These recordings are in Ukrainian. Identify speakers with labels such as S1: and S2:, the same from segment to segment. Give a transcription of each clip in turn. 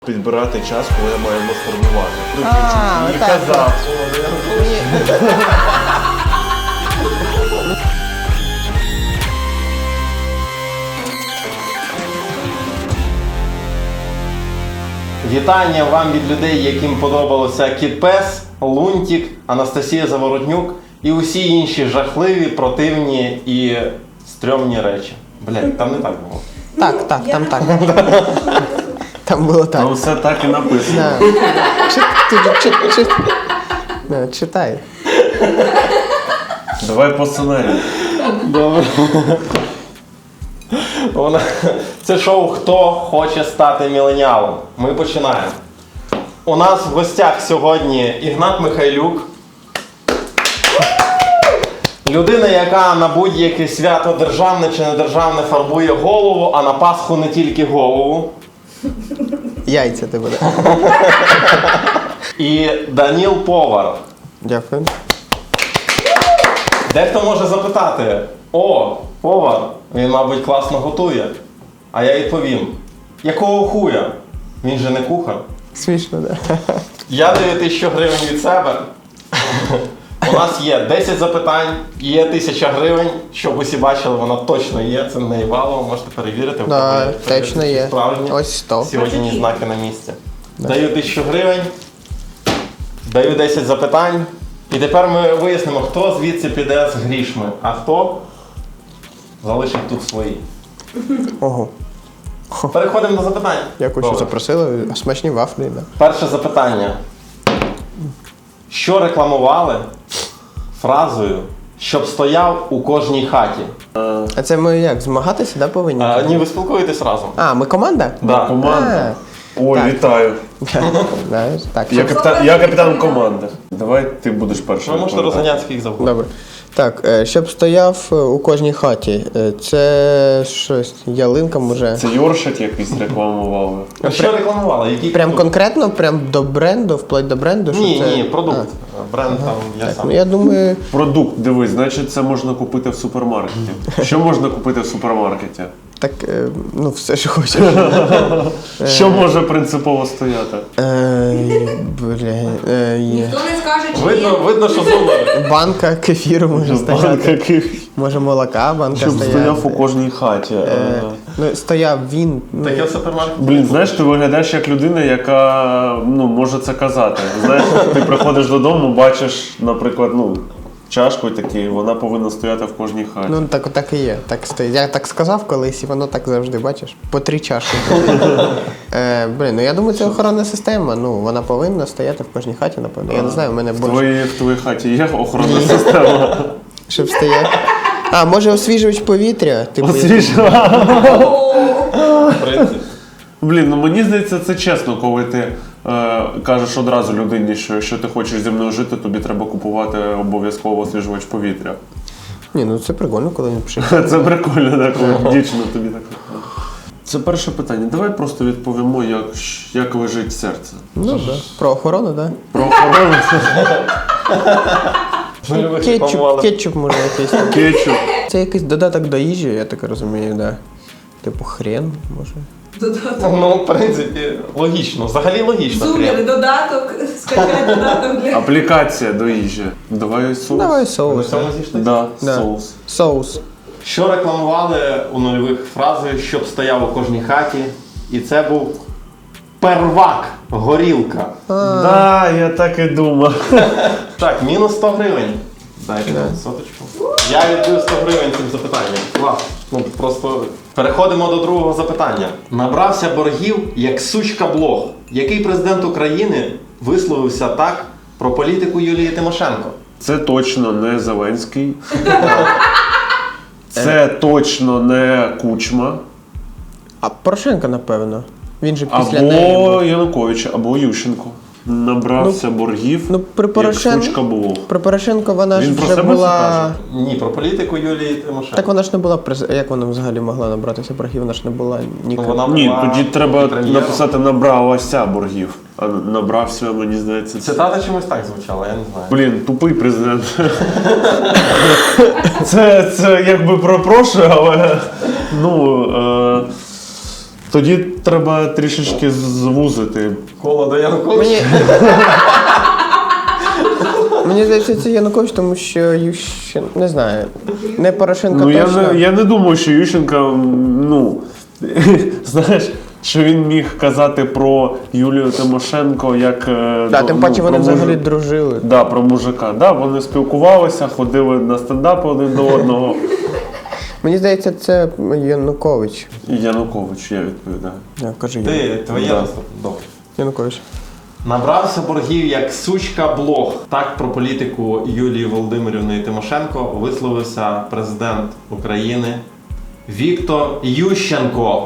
S1: Підбирати час, коли я маю мастурбувати. І
S2: так.
S1: казав.
S3: Вітання вам від людей, яким подобалося Кіт Пес, Лунтик, Анастасія Заворотнюк і усі інші жахливі, противні і стрьомні речі. Блядь, там не так було.
S2: Так, там так. Там було так.
S1: Ну все так і написано.
S2: Читай.
S1: Давай по сценарію.
S3: Добре. Це шоу «Хто хоче стати міленіалом?». Ми починаємо. У нас в гостях сьогодні Ігнат Михайлюк. Людина, яка на будь-яке свято державне чи недержавне фарбує голову, а на Пасху не тільки голову.
S2: Яйця ти буде.
S3: І Даніл Повар.
S2: Дякую.
S3: Дехто може запитати: о, повар, він, мабуть, класно готує. А я відповім: якого хуя? Він же не кухар.
S2: Смішно, да?
S3: Я даю 1000 гривень від себе. У нас є 10 запитань, є 1000 гривень. Щоб усі бачили, вона точно є. Це не Івалово, можете перевірити.
S2: Да, точно є.
S3: Справжні.
S2: Ось 100.
S3: Сьогодні знаки на місці. Даю 1000 гривень, даю 10 запитань. І тепер ми вияснимо, хто звідси піде з грішми, а хто залишить тут свої.
S2: Ого.
S3: Переходимо до запитань.
S2: Дякую, що
S3: Добре.
S2: запросили. Смачні вафлі, да.
S3: Перше запитання. Що рекламували фразою «щоб стояв у кожній хаті»?
S2: А це ми як, змагатися, да, повинні?
S3: Ні, ви спілкуєтесь разом.
S2: А, ми команда?
S3: Да.
S1: Команда. Ой,
S2: Так.
S1: вітаю.
S2: Знаєш, так.
S1: Я капітан команди. Давай ти будеш першим.
S3: Ви можете розганятися скільки завгодно.
S2: Добре. Так, щоб стояв у кожній хаті. Це щось, ялинка, може.
S1: Це Йоршат якийсь рекламували.
S3: Що рекламували? Які
S2: Прям
S3: продукти?
S2: конкретно, прям до бренду, вплоть до бренду? що
S3: Ні,
S2: це?
S3: ні, продукт. Бренд там я
S2: Так,
S3: сам.
S2: ну я думаю,
S1: Продукт, дивись, значить це можна купити в супермаркеті. Що можна купити в супермаркеті?
S2: так, ну все, що хочеш.
S1: Що може принципово стояти?
S2: Є.
S4: Хто не скаже, чи є?
S3: Видно, що зуби.
S2: Банка кефіру може стояти.
S1: Банка,
S2: Може молока, банка
S1: щоб
S2: стояти.
S1: стояв у кожній хаті.
S2: Ну, стояв він. Ну,
S3: Таке в супермаркеті.
S1: Блін, знаєш, ти виглядаєш як людина, яка може це казати. Знаєш, ти приходиш додому, бачиш, наприклад, чашку такий, вона повинна стояти в кожній хаті.
S2: ну так і є. Так стоїть. Я так сказав колись, і воно так завжди, бачиш. По 3 чашки. Блін, ну я думаю, це охоронна система. Ну, вона повинна стояти в кожній хаті, напевно. Я не знаю, у мене більше.
S1: В твоїй хаті є охоронна система?
S2: Щоб стояти. А, може освіжувач повітря? Типу,
S3: В принципі.
S1: Блін, мені здається, це чесно, коли ти кажеш одразу людині, що якщо ти хочеш зі мною жити, тобі треба купувати обов'язково освіжувач повітря.
S2: Ні, ну це прикольно, коли він пише.
S1: Це прикольно, так, коли дівчина тобі так. Це перше питання. Давай просто відповімо, як лежить серце.
S2: Ну, так. Про охорону, так?
S1: Про охорону.
S2: Кетчуп може якийсь.
S1: Кетчуп.
S2: Це якийсь додаток до їжі, я так розумію, да. Типу хрен, може.
S3: Ну, в принципі, логічно. Взагалі логічно.
S4: Зумер, додаток, скачай додаток для...
S1: Аплікація до їжі. Давай соус.
S2: Давай
S3: Ви
S2: соус.
S3: в цьому зійшли?
S1: Да,
S2: Да.
S1: соус.
S2: Соус.
S3: Що рекламували у нульових фразою «щоб стояв у кожній хаті»? І це був первак, горілка.
S1: Да, я так і думав.
S3: Так, мінус 100 гривень. Дайте нам соточку. Я віддаю 100 гривень цим запитанням. Клас. Ну, просто переходимо до другого запитання. Набрався боргів як сучка блог. Який президент України висловився так про політику Юлії Тимошенко?
S1: Це точно не Зеленський. Це точно не Кучма.
S2: А Порошенко, напевно. Він же після неї
S1: Або
S2: був.
S1: Янукович, або Ющенко. Набрався боргів,
S2: Ну, при
S1: як сучка блог.
S2: Про Порошенко вона ж
S1: Він про
S2: вже
S1: себе це
S2: була...
S1: каже?
S3: Ні, про політику Юлії Тимошенко.
S2: Так вона ж не була Як вона взагалі могла набратися боргів? Вона ж не була ніколи.
S3: Вона
S1: Ні,
S3: була
S1: тоді треба
S3: прем'єром.
S1: написати «набралася боргів». А набрався, мені здається, це...
S3: Цитата чомусь так звучала, я не знаю.
S1: Блін, тупий президент. Це якби пропрошую, але тоді треба трішечки звузити.
S3: Коло до Януковича.
S2: Мені здається, це Янукович, тому що Ющенко, не знаю, не Порошенко
S1: Ну,
S2: точно.
S1: я не думаю, що Ющенко, знаєш, що він міг казати про Юлію Тимошенко як...
S2: Да, тим паче вони взагалі дружили.
S1: Да, про мужика. Да, вони спілкувалися, ходили на стендапи один до одного.
S2: Мені здається, це Янукович.
S1: Янукович, я відповідаю.
S2: Кажи
S3: Твоє
S1: Да.
S3: наступне. Добре.
S2: Янукович.
S3: Набрався боргів як сучка блог. Так про політику Юлії Володимирівни Тимошенко висловився президент України Віктор Ющенко.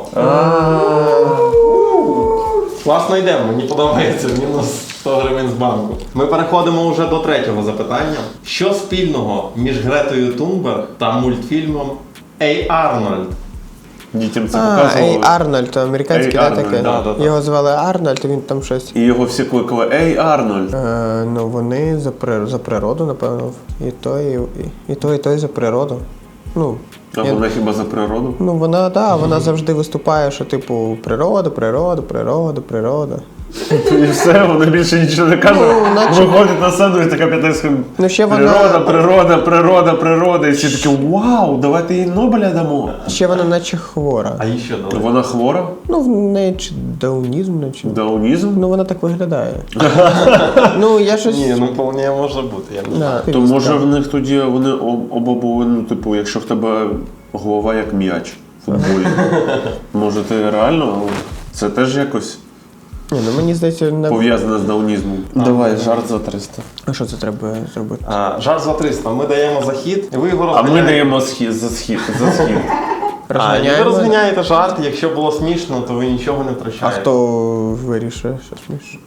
S3: Класно йдемо, мені подобається, мінус 100 гривень з банку. Ми переходимо вже до третього запитання. Що спільного між Гретою Тунберг та мультфільмом «Ей, Арнольд»?
S1: Дітям це
S2: Ей
S1: показували.
S2: Арнольд, американський,
S1: Ей,
S2: да,
S1: Арнольд,
S2: таке?
S1: да.
S2: Його звали Арнольд, і він там щось.
S1: І його всі кликали «Ей, Арнольд».
S2: Ну, вони за природу, напевно. І той за природу. Ну,
S1: А вона хіба за природу?
S2: ну вона завжди виступає, що типу природа.
S1: І все, вона більше нічого не каже.
S2: наче-
S1: Виходить на сцену і така п'ятиська.
S2: Ну, ще вона-
S1: Природа. І всі такі, вау, давайте їй Нобеля дамо.
S2: Ще вона наче хвора.
S3: А їй що дали?
S1: Вона хвора?
S2: Ну, в неї чи даунізм, чи...
S1: Даунізм?
S2: Ну, вона так виглядає. Ну, я щось...
S3: Ні, ну вполне може бути. Я не знаю.
S2: Да,
S1: То може в них тоді вони оба були, ну, типу, якщо в тебе голова як м'яч в футболі. Може ти реально, це теж якось
S2: Ні, ну мені здається, не...
S1: пов'язане з даунізмом. Давай, жарт за 300.
S2: А що це треба зробити?
S3: Жарт за 300. Ми даємо захід, і ви його
S1: А ми
S3: розганяєте.
S1: даємо за схід.
S3: І ви
S2: Розганяємо?
S3: розганяєте жарт, якщо було смішно, то ви нічого не
S2: А
S3: втрачаєте.
S2: хто вирішує, що смішно?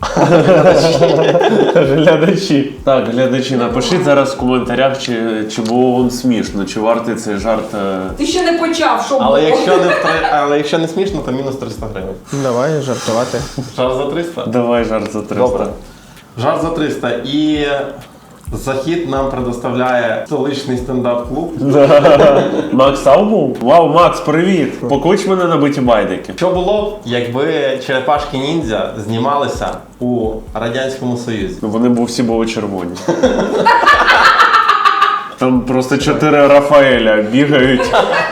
S1: Глядачі. Так, глядачі, напишіть зараз в коментарях, чи було вам смішно, чи вартий цей жарт.
S4: Ти ще не почав, що
S3: Але
S4: було?
S3: якщо не смішно, то мінус 300 гривень.
S2: Ну, давай жартувати.
S3: Жарт за 300?
S1: Давай жарт за 300.
S3: Добре. Жарт за 300. І захід нам предоставляє столичний стендап-клуб.
S1: Макс Аубу? Вау, Макс, привіт! Поклич мене на биті байдики.
S3: Що було б, якби черепашки ніндзя знімалися у Радянському Союзі?
S1: Вони всі були червоні. Там просто 4 Рафаеля бігають.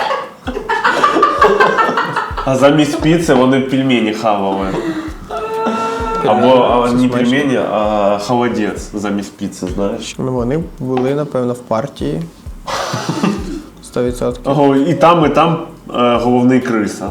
S1: А замість піци вони пельмені хавали. Або не пельмені, а холодець замість піци, знаєш.
S2: Ну, вони були, напевно, в партії. 100%.
S1: Ого, і там головний криса.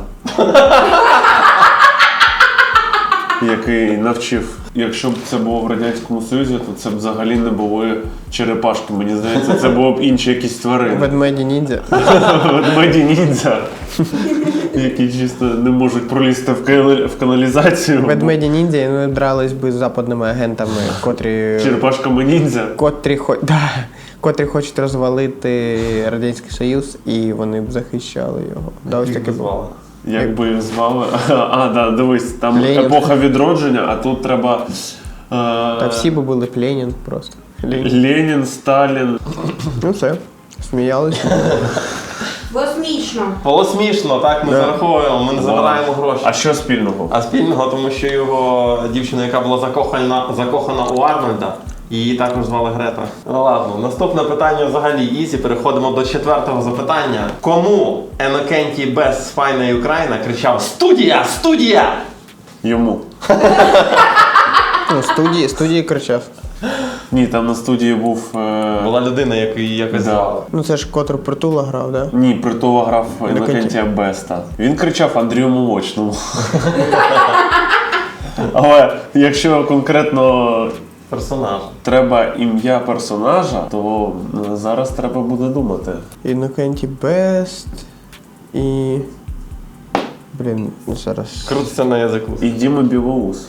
S1: Який навчив. Якщо б це було в Радянському Союзі, то це б взагалі не були черепашки. Мені здається, це було б інші якісь тварини.
S2: Ведмеді ніндзя.
S1: Ведмеді ніндзя, які чисто не можуть пролізти в каналізацію.
S2: Ведмеді ніндзя, і вони дрались би з западними агентами,
S1: Черепашками ніндзя.
S2: котрі хочуть розвалити Радянський Союз, і вони б захищали його. Да, ось таке було.
S3: звали.
S1: Як би їх звали? Да, дивись, там
S2: Ленін.
S1: епоха відродження, а тут треба.
S2: Та всі би були Ленін просто.
S1: Ленін, Сталін.
S2: Ну все, сміялися.
S4: Було смішно.
S3: Було смішно, так, ми зараховуємо, ми не забираємо гроші.
S1: А що спільного?
S3: А спільного, тому що його дівчина, яка була закохана у Арнольда, її також звали Грета. Ну ладно, наступне питання взагалі ізі. Переходимо до 4-го запитання. Кому Енокентій Бес з Файна Україна кричав «Студія! Студія!»
S1: Йому.
S2: Ну, студії кричав.
S1: Ні, там на студії був.
S3: Була людина, яку її якось
S1: Да.
S3: звали.
S2: Ну це ж Котр Притула грав, да?
S1: Ні, Притула грав Інокентія Беста. Він кричав Андрію Молочному. Але якщо конкретно
S3: Персонаж.
S1: треба ім'я персонажа, то зараз треба буде думати.
S2: Інокентій Бест і... Блін, зараз...
S3: Крутиться на язику.
S1: І Діма Білоус.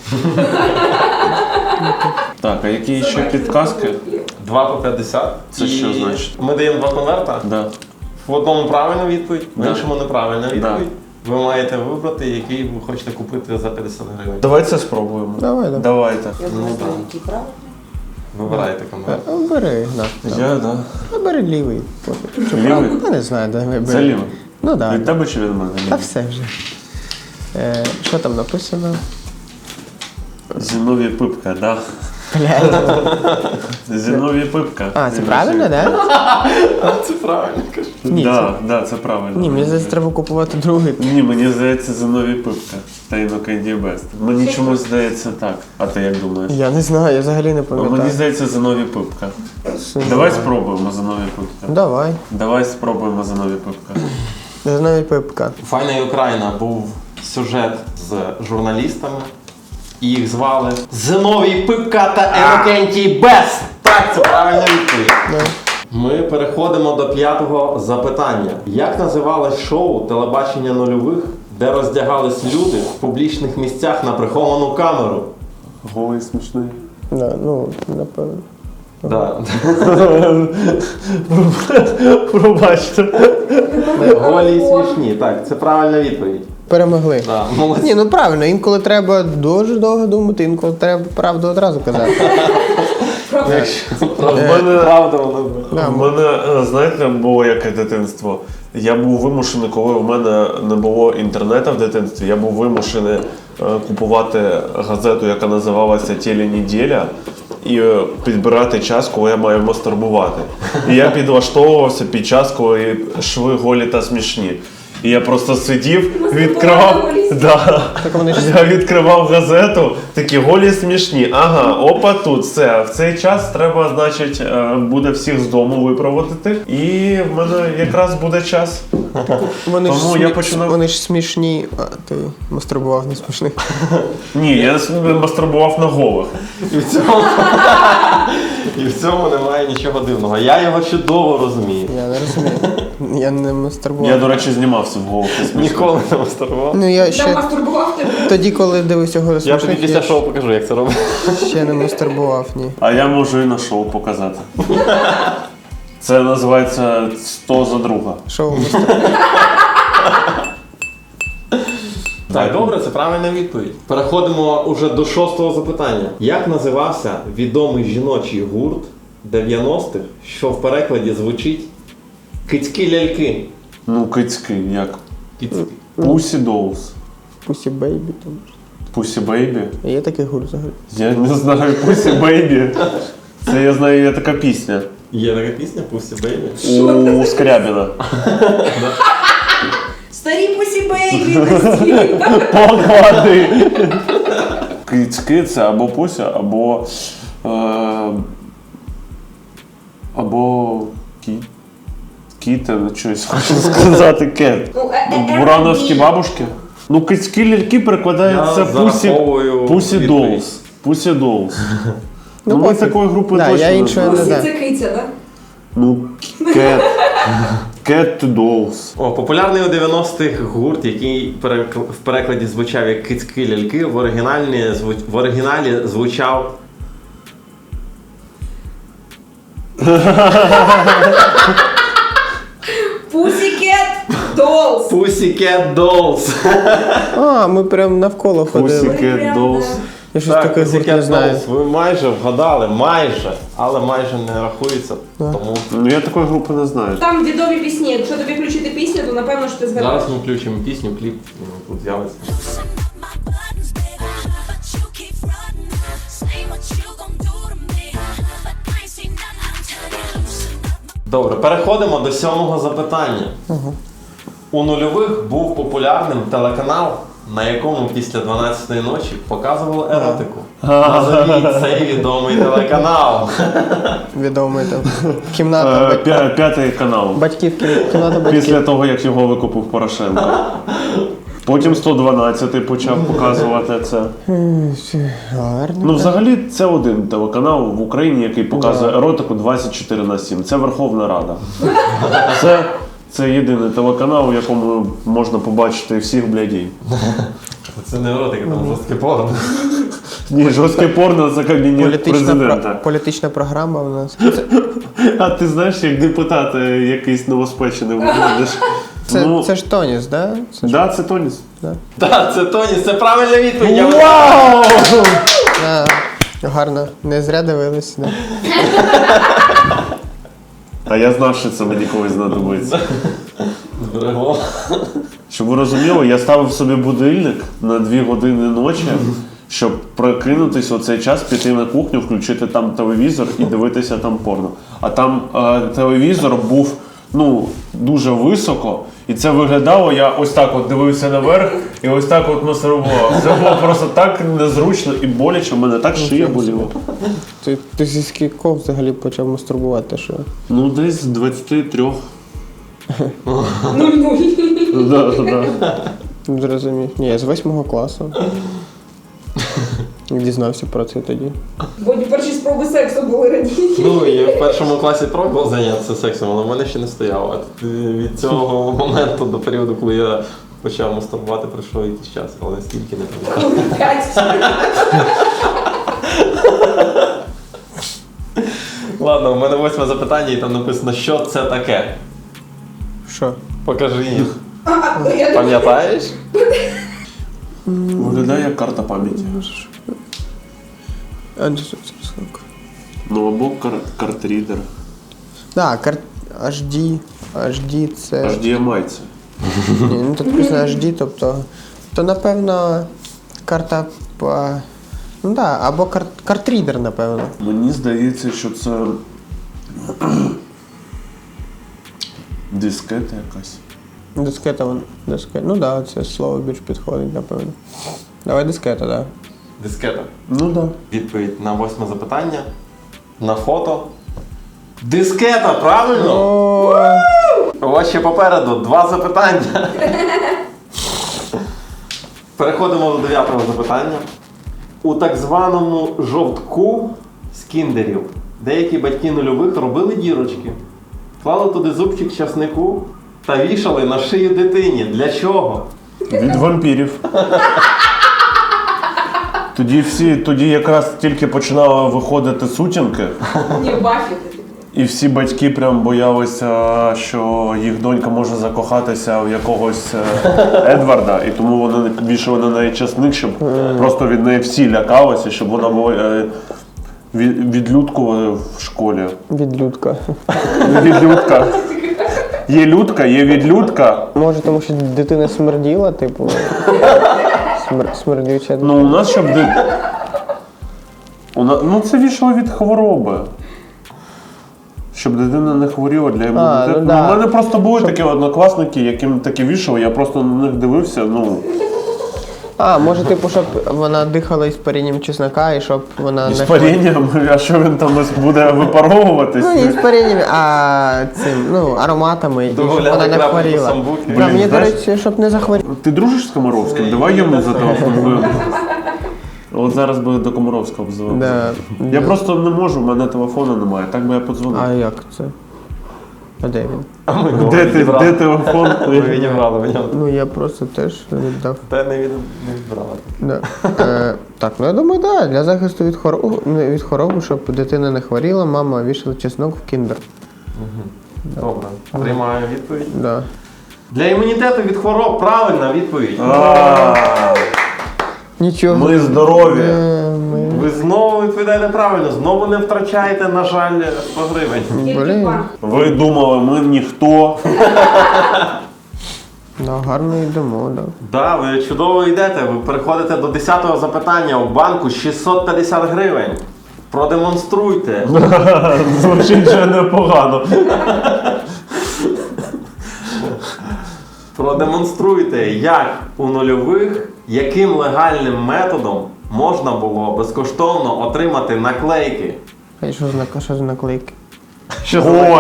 S1: Так, а які ще підказки?
S3: 2 по 50.
S1: Це
S3: І
S1: що значить?
S3: Ми даємо 2 конверта.
S1: Да.
S3: В одному правильна відповідь, в
S1: Да.
S3: іншому неправильна відповідь.
S1: Да.
S3: Ви маєте вибрати, який ви хочете купити за 50 гривень.
S1: Давай це спробуємо.
S2: Давай.
S1: Давайте.
S4: Я
S3: Ну,
S4: думаю,
S3: да.
S4: який правильний.
S3: Вибирайте конверт.
S2: Бери, Гнат.
S1: Я, да.
S2: Бери лівий. Чи
S1: Лівий?
S2: правий? Я не знаю, давай бери.
S1: Це лівий?
S2: Ну так.
S1: Від тебе чи від мене?
S2: Та все вже. Що там написано?
S1: Зіновій Пипка, да. Зіновій Пипка.
S2: А, це правильно, так?
S3: Це правильно кажу.
S2: Ні,
S1: Да, це правильно.
S2: Ні, мені здається, треба купувати другий.
S1: Ні, мені здається, Зіновій Пипка та Інокентій Бест. Мені чомусь здається так. А ти як думаєш?
S2: Я не знаю, я взагалі не
S1: А мені
S2: пам'ятаю.
S1: здається, Зіновій Пипка. Давай спробуємо Зіновій Пипка.
S2: Давай.
S1: Давай спробуємо Зіновій Пипка.
S2: Зіновій Пипка.
S3: Файна Україна був сюжет з журналістами. І їх звали Зиновій Пипка та Інокентій Бест. Так, це правильна відповідь.
S2: Да.
S3: Ми переходимо до 5-го запитання. Як називалось шоу телебачення нульових, де роздягались люди в публічних місцях на приховану камеру?
S1: Голий смішний.
S2: Да, ну, напевно.
S3: Да.
S1: Пробачте.
S3: Голі і смішні. Так, це правильна відповідь.
S2: Перемогли.
S3: Да, молодці.
S2: Ні, ну правильно, інколи треба дуже довго думати, інколи треба правду одразу казати.
S3: Правда, воно буде.
S2: Да,
S1: В мене, знаєте, було яке дитинство. Я був вимушений, коли в мене не було інтернету в дитинстві, я був вимушений купувати газету, яка називалася «Теленеділя», і підбирати час, коли я маю мастурбувати. І я підлаштовувався під час, коли шви голі та смішні. І я просто сидів, відкривав. Да. Я відкривав газету, такі голі смішні. Ага, опа, тут все. В цей час треба, значить, буде всіх з дому випроводити. І в мене якраз буде час.
S2: Вони ж,
S1: Тому я починав-
S2: вони ж смішні, а ти мастурбував не смішних.
S1: Ні, я мастурбував на голих.
S3: І в цьому немає нічого дивного. Я його чудово розумію.
S2: Я не розумію. Я не мастурбував.
S1: Я, до речі, знімався в голих.
S3: Ніколи не мастурбував.
S2: Ну я
S4: Там
S2: ще
S4: мастурбував тебе.
S2: тоді, коли дивився його
S3: Я тобі
S2: смішних,
S3: після шоу покажу, як це робити.
S2: ще не мастурбував, ні.
S1: А я можу і на шоу показати. Це називається «100 за друга».
S2: Шоу мастурбував.
S3: Так, добре, це правильна відповідь. Переходимо уже до 6-го запитання. Як називався відомий жіночий гурт 90-х, що в перекладі звучить «Кицькі ляльки»?
S1: Ну, кицьки, як?
S3: Кицькі.
S1: Pussy Dolls.
S2: Pussy Baby там.
S1: Pussy Baby.
S2: Є такий гурт взагалі.
S1: Я не знаю Pussy Baby. Це я знаю, є така пісня.
S3: Є така пісня «Pussy Baby»?
S1: У Скрябіна.
S4: Старі пусі бейбі на стіл.
S1: Поклади. Кицьки це або Пуся, або кітен, щось хочу сказати, кет. Бурановські бабушки. Ну, кицькі ляльки перекладаються
S3: Я зараховую
S1: Pussy
S3: відповідь.
S1: Dolls. Pussy Dolls. Ну, ми
S2: пофіг.
S1: такої групи
S2: Да,
S1: точно
S2: я
S1: не
S2: іншої
S1: знаємо.
S2: не
S4: Пусі
S2: знаю.
S4: це киця, так?
S1: Ну, Cat Dolls.
S3: О, популярний у 90-х гурт, який в перекладі звучав як «Кицькі ляльки», в оригіналі звучав
S4: Pussycat Dolls.
S3: «Pussycat Dolls».
S2: А, ми прям навколо ходили.
S1: Pussycat Dolls.
S2: Я щось
S3: Так,
S2: таке гурт
S3: «Pussycat
S2: не знаю.
S3: Dolls». Ви майже вгадали, але майже не рахується. Тому
S1: Ну, я такої групи не знаю.
S4: Там відомі пісні. Якщо тобі включити пісню, то напевно що ти згадаєш.
S3: зараз ми включимо пісню, кліп тут з'явиться.
S5: my buttons, baby, but you keep running. Say what you gon' do to me, but I ain't seen none. I'm telling you, loosen up.
S3: Добре, переходимо до 7-го запитання. У нульових був популярним телеканал, на якому після 12-ї ночі показували еротику. Назвіть цей відомий телеканал.
S2: Відомий там. Кімната
S1: П'ятий канал.
S2: батьків, кімната батьків.
S1: Після того, як його викупив Порошенко. Потім 112-й почав показувати це.
S2: Гарно.
S1: Ну, взагалі, це один телеканал в Україні, який показує еротику 24/7. Це Верховна Рада. Це єдиний телеканал, у якому можна побачити всіх блядей.
S3: Це не еротика, там жорстке порно.
S1: Ні, жорстке порно це кабінет президента.
S2: Політична програма у нас.
S1: А ти знаєш, як депутат якийсь новоспечений виглядиш.
S2: Це ж Тоніс, да? Це ж...
S1: Да, це Тоніс.
S3: Так, це Тоні, це правильна відповідь.
S1: Вау!
S2: Да. Гарно. Не зря дивились. Да.
S1: А я знав, що це мені колись знадобиться.
S3: зберегло.
S1: Щоб ви розуміли, я ставив собі будильник на 2 години ночі, щоб прокинутись у цей час, піти на кухню, включити там телевізор і дивитися там порно. А там телевізор був дуже високо, і це виглядало, я ось так от дивився наверх і ось так от мастурбував. Це було просто так незручно і боляче, в мене так шия боліла.
S2: Ти зі скількох взагалі почав мастурбувати, що?
S1: Ну, десь з 23.
S4: Нуль-нуль.
S1: Да.
S2: Зрозумів. Ні, я з 8 класу. Дізнався про це тоді.
S4: Бо перші спроби сексу були раніше.
S3: Ну, я в першому класі пробував зайнятися сексом, але в мене ще не стояло. А від цього моменту до періоду, коли я почав мастурбувати, пройшов якийсь час, але стільки не пам'ятаю.
S4: 5.
S3: Ладно, у мене 8 запитання і там написано, що це таке.
S2: Що?
S3: Покажи їх.
S4: Я думаю,
S3: Пам'ятаєш?
S1: Виглядає як карта пам'яті. Ну, або картрідер.
S2: Так, HD це...
S1: HDMI це.
S2: Ні, ну тут написано HD, тобто... То, напевно, карта... Ну так, або картрідер, напевно.
S1: Мені здається, що це дискета якась.
S2: Дискета, ну так, це слово більш підходить, напевно. Давай дискета, так.
S3: Дискета.
S1: Ну да.
S3: Відповідь на 8 запитання. На фото. Дискета, правильно? У вас ще попереду 2 запитання. Переходимо до 9-го запитання. У так званому жовтку з кіндерів деякі батьки нульових робили дірочки, клали туди зубчик часнику та вішали на шию дитині. Для чого?
S1: Від вампірів. Тоді якраз тільки починали виходити сутінки,
S4: Ні, бафіти.
S1: і всі батьки прям боялися, що їх донька може закохатися в якогось Едварда, і тому вони вішали на неї часник, щоб просто від неї всі лякалися, щоб вона була відлюдкувала в школі.
S2: Відлюдка.
S1: Відлюдка. Є людка, є відлюдка.
S2: Може, тому що дитина смерділа, типу. Смердюча.
S1: Ну, у нас щоб ну, це вішало від хвороби. Щоб дитина не хворіла для імунітету.
S2: ну да.
S1: У мене просто були такі однокласники, яким таке вішали, я просто на них дивився,
S2: Може, типу, щоб вона дихала із парінням чеснока і щоб вона
S1: із
S2: не
S1: парінням, а що він там буде випаровуватись?
S2: Ну, не з парінням, а цим, ароматами, і щоб
S3: Дозволяли
S2: вона не
S3: крапати
S2: хворіла.
S3: самбуки.
S2: Да,
S1: Блін,
S2: мені, до
S1: знаєш-
S2: речі, щоб не захворіла.
S1: Ти дружиш з Комаровським? Давай йому зателефонуємо. От зараз би до Комаровського обзвонив.
S2: Да.
S1: Я просто не можу, в мене телефону немає, так би я подзвонив.
S2: А як це? А де він?
S3: А ми його
S1: Де
S3: відібрали.
S1: телефон?
S3: Ми відібрали в нього.
S2: Ну, я просто теж віддав.
S3: Та не відбирали.
S2: Да. Так, я думаю, так, для захисту від хвороби, щоб дитина не хворіла, мама вішала чеснок в кіндер.
S3: Добре. Приймаю відповідь.
S2: Да.
S3: Для імунітету від хвороб правильна відповідь.
S2: Нічого.
S1: Ми здорові.
S3: Ви знову відповідаєте правильно, знову не втрачаєте, на жаль, 100 гривень.
S4: Тільки
S2: Блін.
S4: банк.
S1: Ви думали, ми ніхто.
S2: Да, гарно йдемо, да.
S3: Да, ви чудово йдете. Ви переходите до 10-го запитання. У банку 650 гривень. Продемонструйте.
S1: Звучить вже непогано.
S3: Продемонструйте, як у нульових, яким легальним методом можна було безкоштовно отримати наклейки.
S2: А що за наклейки?
S1: О,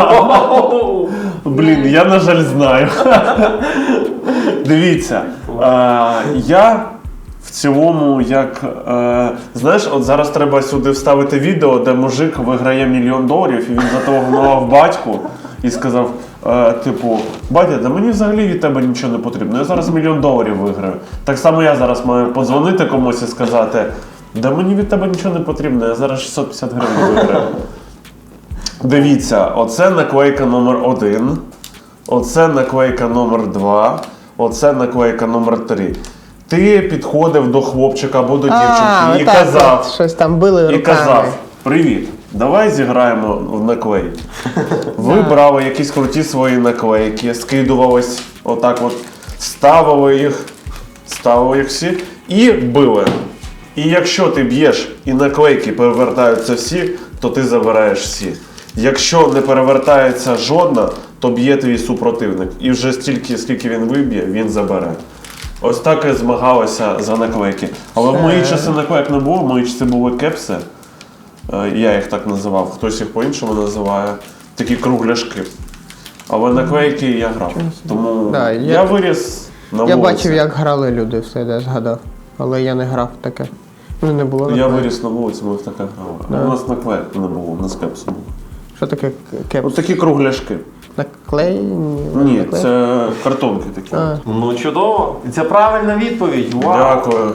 S1: Блін, я, на жаль, знаю. Дивіться, я в цілому, знаєш, от зараз треба сюди вставити відео, де мужик виграє $1 мільйон, і він зателефонував батьку і сказав, типу, батя, да мені взагалі від тебе нічого не потрібно, я зараз $1 мільйон виграю. Так само я зараз маю подзвонити комусь і сказати, да мені від тебе нічого не потрібно, я зараз 650 гривень виграю. Дивіться, оце наклейка номер 1, оце наклейка номер 2, оце наклейка номер 3. Ти підходив до хлопчика або до дівчинки і
S2: отак
S1: казав,
S2: от, щось там били руками.
S1: привіт, Давай зіграємо в наклейки. Ви брали якісь круті свої наклейки, скидувались отак от, ставили їх всі і били. І якщо ти б'єш і наклейки перевертаються всі, то ти забираєш всі. Якщо не перевертається жодна, то б'є твій супротивник. І вже стільки, скільки він виб'є, він забере. Ось так і змагалися за наклейки. Але в мої часи наклейок не було, в мої часи були кепси. Я їх так називав, хтось їх по-іншому називає. Такі кругляшки. Але наклейки я грав. Тому
S2: Да,
S1: я виріс на
S2: Я
S1: вулиці.
S2: бачив, як грали люди, все, я згадав. Але я не грав в таке. Ну, не було.
S1: Я
S2: наклеїв.
S1: виріс на вулиці, ми в таке грали. А у нас наклейок не було, у нас кепсу було.
S2: Що таке кепс?
S1: Ось такі кругляшки.
S2: Наклей?
S1: Ні,
S2: наклей?
S1: це картонки такі.
S2: А,
S3: Ну чудово. І це правильна відповідь. Вау.
S1: Дякую.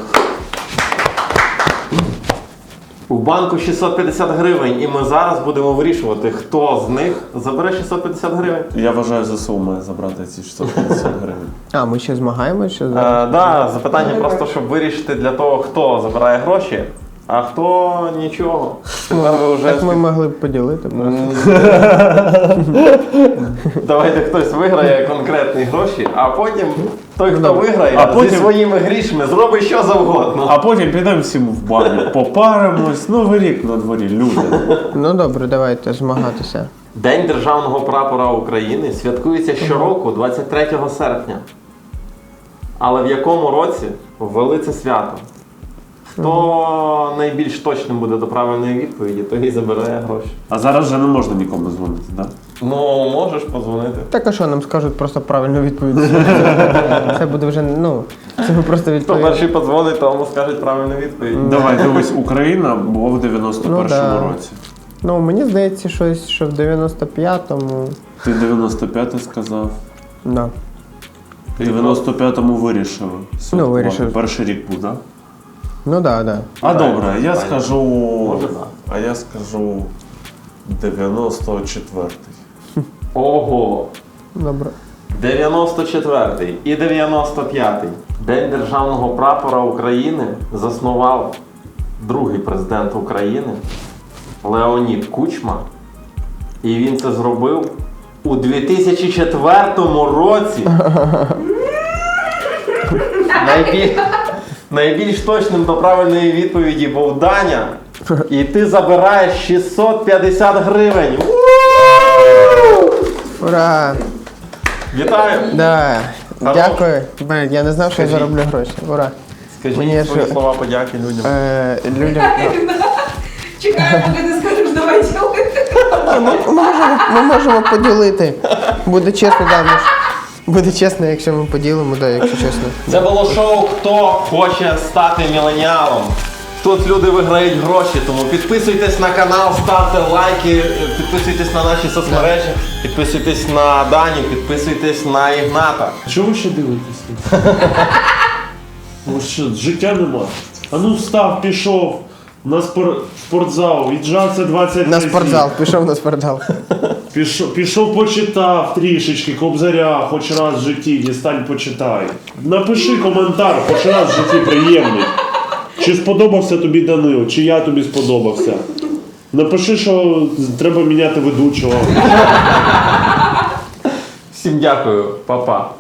S3: У банку 650 гривень, і ми зараз будемо вирішувати, хто з них забере 650 гривень.
S1: Я вважаю, ЗСУ має забрати ці 650 гривень.
S2: ми ще змагаємося? Ще
S3: Да, запитання просто, щоб вирішити для того, хто забирає гроші, а хто нічого. Тепер ви вже...
S2: Так ми могли б поділити. просто.
S3: Давайте хтось виграє конкретні гроші, а потім той, хто виграє,
S1: А потім-
S3: зі своїми грішми зробить що завгодно.
S1: А потім підемо всім в баню, попаримось. Новий рік на дворі, люди.
S2: Ну добре, давайте змагатися.
S3: День Державного прапора України святкується щороку 23 серпня. Але в якому році ввели це свято? Хто найбільш точним буде до правильної відповіді, той і забирає гроші.
S1: А зараз вже не можна нікому дзвонити, так?
S3: Ну, можеш подзвонити.
S2: Так а що, нам скажуть просто правильну відповідь. Це буде вже, це ми просто
S3: Хто
S2: відповідь.
S3: перший подзвонить, тому скажуть правильну відповідь.
S1: Давай, дивись, Україна була в 91-му
S2: Ну, да.
S1: році.
S2: Мені здається, щось, що в 95-му.
S1: Ти 95-й сказав.
S2: Да.
S1: В 95-му вирішили. святкувати.
S2: вирішив.
S1: Перший рік був, так?
S2: Ну так, да.
S1: А добре, я скажу.
S3: Може, да.
S1: А я скажу 94-й.
S3: Ого!
S2: Добре.
S3: 94-й і 95-й. День Державного прапора України заснував другий президент України Леонід Кучма. І він це зробив у 2004 році. Найбільш точним до правильної відповіді був Даня. І ти забираєш 650 гривень.
S2: Ура!
S3: Вітаю!
S2: Да.
S3: Хорош.
S2: Дякую. Блін, я не знав, що я
S3: Скажіть.
S2: зароблю гроші. Ура.
S3: Скажіть
S2: Мені
S3: свої
S2: ж-
S3: слова подяки людям.
S2: Людям.
S4: Чекаю, поки ти скажеш, давай ділити.
S2: Ми можемо поділити. Буде чесно, да, буде чесно, якщо ми поділимо, да, якщо чесно.
S3: Це було шоу «Хто хоче стати міленіалом?». Тут люди виграють гроші, тому підписуйтесь на канал, ставте лайки, підписуйтесь на наші соцмережі, підписуйтесь на Даню, підписуйтесь на Ігната.
S1: Чого ви ще дивитесь? Ну що, життя нема. А ну встав, пішов на спортзал, віджався 20
S2: На
S1: разів.
S2: спортзал, пішов на спортзал.
S1: Пішов, почитав трішечки Кобзаря, хоч раз в житті, дістань почитай. Напиши коментар, хоч раз в житті приємний. Чи сподобався тобі Данило, чи я тобі сподобався. Напиши, що треба міняти ведучого.
S3: Всім дякую, па-па.